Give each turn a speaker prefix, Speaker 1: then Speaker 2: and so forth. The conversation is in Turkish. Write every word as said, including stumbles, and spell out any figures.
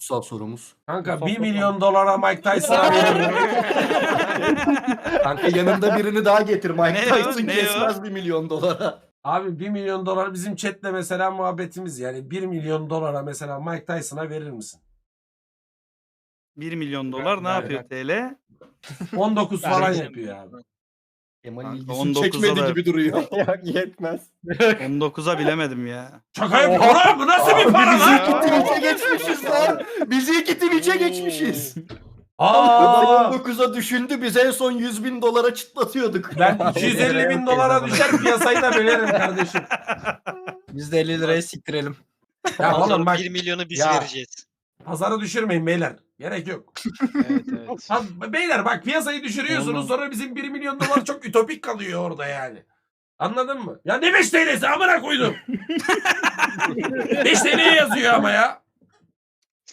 Speaker 1: kutsal sorumuz.
Speaker 2: Kanka bir milyon dolara Mike Tyson'a veririm.
Speaker 1: Kanka yanında birini daha getir. Mike
Speaker 3: Ne o?
Speaker 1: Tyson
Speaker 3: Ne o?
Speaker 1: kesmez bir milyon dolara.
Speaker 2: Abi bir milyon dolar bizim chatle mesela muhabbetimiz yani bir milyon dolara mesela Mike Tyson'a verir misin?
Speaker 3: bir milyon dolar ne
Speaker 2: Ben-
Speaker 3: yapıyor T L?
Speaker 2: on dokuz falan
Speaker 4: Ben-
Speaker 2: yapıyor abi.
Speaker 1: Kemal
Speaker 3: Kanka
Speaker 1: ilgisini
Speaker 3: on dokuza
Speaker 1: çekmedi
Speaker 3: da-
Speaker 1: gibi duruyor.
Speaker 5: Yok yetmez.
Speaker 3: on dokuza bilemedim ya.
Speaker 2: Şaka yapıyorum. Oğlum bu nasıl bir para
Speaker 1: Bizi
Speaker 2: lan?
Speaker 1: iki Twitch'e geçmişiz lan. Bizi iki Twitch'e geçmişiz.
Speaker 2: Aa,
Speaker 1: on dokuza düşündü. Biz en son yüz bin dolara çıtlatıyorduk.
Speaker 2: ben iki yüz elli bin dolara düşer piyasayı da bölerim kardeşim.
Speaker 5: Biz de elli liraya siktirelim.
Speaker 2: Ya oğlum bak
Speaker 4: bir milyonu biz
Speaker 2: Ya.
Speaker 4: vereceğiz.
Speaker 2: pazarı düşürmeyin beyler. Gerek yok.
Speaker 4: Evet evet.
Speaker 2: Ha, beyler bak piyasayı düşürüyorsunuz
Speaker 5: Olmaz.
Speaker 2: sonra bizim bir milyon dolar çok ütopik kalıyor orada yani. Anladın mı? Ya ne beş T L'si amına koydum. beş T L'ye yazıyor ama ya.